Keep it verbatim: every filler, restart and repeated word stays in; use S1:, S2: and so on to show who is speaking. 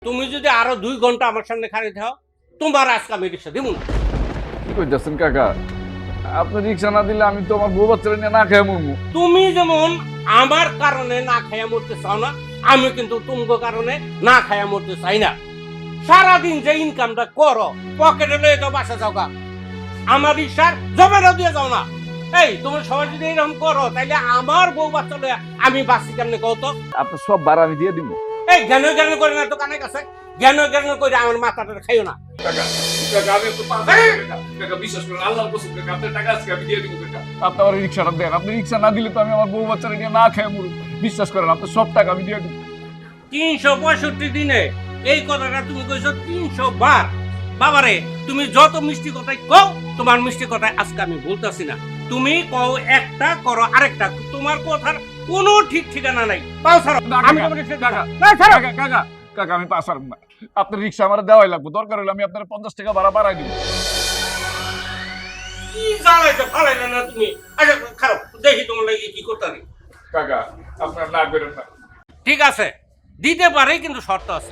S1: তুমি যদি আরো দুই ঘন্টা আমার সামনে খাড়ি থাও তোমার আজকে আমি রিক্সা দিব না।
S2: কি কইতেছেন কাকা? আপনি রিক্সা না দিলে আমি তো আমার বউ বাচ্চারা নিয়ে না খেয়ে মরবো।
S1: তুমি যেমন আমার কারণে না খাইয়া মরতে চাও না, আমি কিন্তু তোমার কারণে না খাইয়া মরতে চাই না। সারাদিন যে ইনকামটা করো পকেটে লয়ে যাও, বাসা যাও গা, আমার রিক্সার জমানো দিয়ে যাও না। এই তুমি সবাই যদি এরকম করো তাহলে আমার বউ বাচ্চা লয়ে আমি বাঁচি কেমনে কও তো?
S2: আপনার সব ভাড়া আমি দিয়ে দিব।
S1: এই জ্ঞান জ্ঞান করে না তো কানে কাছে, জ্ঞান জ্ঞান করে আমার মাথাটা খাইও না।
S3: কাকা কাকা আমি একটু পাঁচ টাকা বিশ্বাস করুন, আল্লাহর কসম কাকা আপনার টাকা আজকে আমি দিয়ে দিব কাকা।
S2: আপনি আমার রিক্সাটা দেন। আপনি রিক্সা না দিলে তো আমি আমার বউ বাচ্চারা নিয়ে না খেয়ে মরবো। বিশ্বাস করেন, আপনার সব টাকা আমি দিয়ে দিব।
S1: তিনশো পঁয়ষট্টি দিনে এই কথাটা তুমি কইছো তিনশো বার। বাবারে তুমি যত মিষ্টি কথাই কও, তোমার মিষ্টি কথাই আজকে আমি বলতেছি না। তুমি কও একটা করো আরেকটা, তোমার কথার কোনো ঠিক ঠিকানা নাই। পাও ছাড়ো, আমি তোমার রিকশা
S2: কাকা
S1: না ছাড়ো।
S2: কাকা কাকা কাকা আমি পাস পারব না। আপনার রিক্সা আমার দেওয়াই লাগবে। দরকার হলে আমি আপনার পঞ্চাশ টাকা ভাড়া বাড়াই দিব।
S1: কি জ্বালাইছো ফালাইলে না তুমি? আচ্ছা খারাপ, দেখি তোমার লাগে কি করতে পারি।
S3: কাকা আপনার না করেন না।
S1: ঠিক আছে, দিতে পারে কিন্তু শর্ত আছে।